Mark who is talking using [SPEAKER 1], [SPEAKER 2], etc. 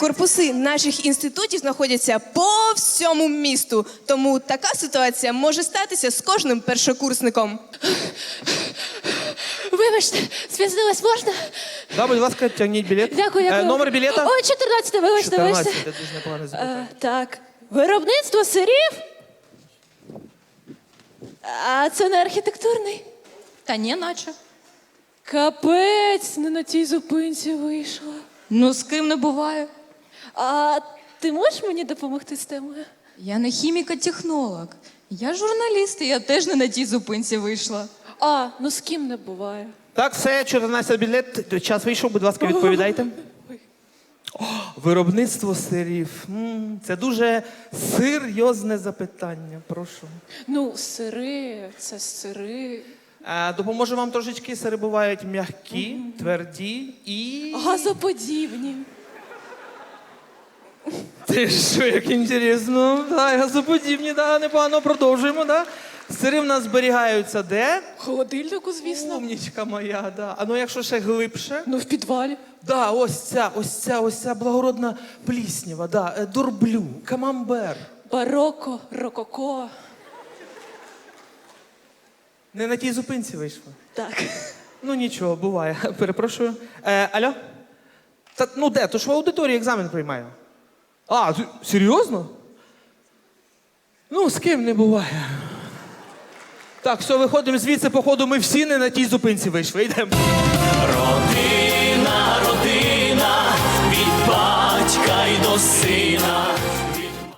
[SPEAKER 1] Корпуси наших інститутів знаходяться по всьому місту, тому така ситуація може статися з кожним першокурсником.
[SPEAKER 2] Вибачте, спізнилась, можна?
[SPEAKER 3] Да, будь ласка, тягніть білет.
[SPEAKER 2] Дякую.
[SPEAKER 3] Номер білета?
[SPEAKER 2] Ой, 14, вибачте,
[SPEAKER 3] 14,
[SPEAKER 2] вибачте.
[SPEAKER 3] це дуже непогане запитання.
[SPEAKER 2] Так, виробництво сирів? А це не архітектурний?
[SPEAKER 4] Та ні, наче.
[SPEAKER 2] Капець, не на тій зупинці вийшла.
[SPEAKER 4] Ну, з ким не буває.
[SPEAKER 2] А ти можеш мені допомогти з темою?
[SPEAKER 4] Я не хіміко-технолог. Я журналіст, і я теж не на тій зупинці вийшла.
[SPEAKER 2] А, ну з ким не буває.
[SPEAKER 3] Так, все, 14 білет, час вийшов, будь ласка, відповідайте. О, виробництво сирів. Це дуже серйозне запитання, прошу.
[SPEAKER 2] Ну, сири, це сири.
[SPEAKER 3] Допоможу вам трошечки, сири бувають м'які, тверді і...
[SPEAKER 2] Газоподібні.
[SPEAKER 3] Ти що, як інтересно. Да, газоподібні, да, непогано, продовжуємо, да. Сири в нас зберігаються де?
[SPEAKER 2] В холодильнику, звісно.
[SPEAKER 3] Умнічка моя, да. А ну якщо ще глибше?
[SPEAKER 2] Ну, в підвалі.
[SPEAKER 3] Да, ось ця благородна пліснява, да, дурблю, камамбер.
[SPEAKER 2] Бароко, рококо.
[SPEAKER 3] Не на тій зупинці вийшла.
[SPEAKER 2] Так.
[SPEAKER 3] Ну нічого, буває, перепрошую. Алло? Та, ну де, то ж в аудиторії екзамен приймаю. А, серйозно? Ну, з ким не буває. Так, все, виходимо звідси, походу, ми всі не на тій зупинці вийшли. Йдемо.
[SPEAKER 5] Родина, родина, від батька й до сина.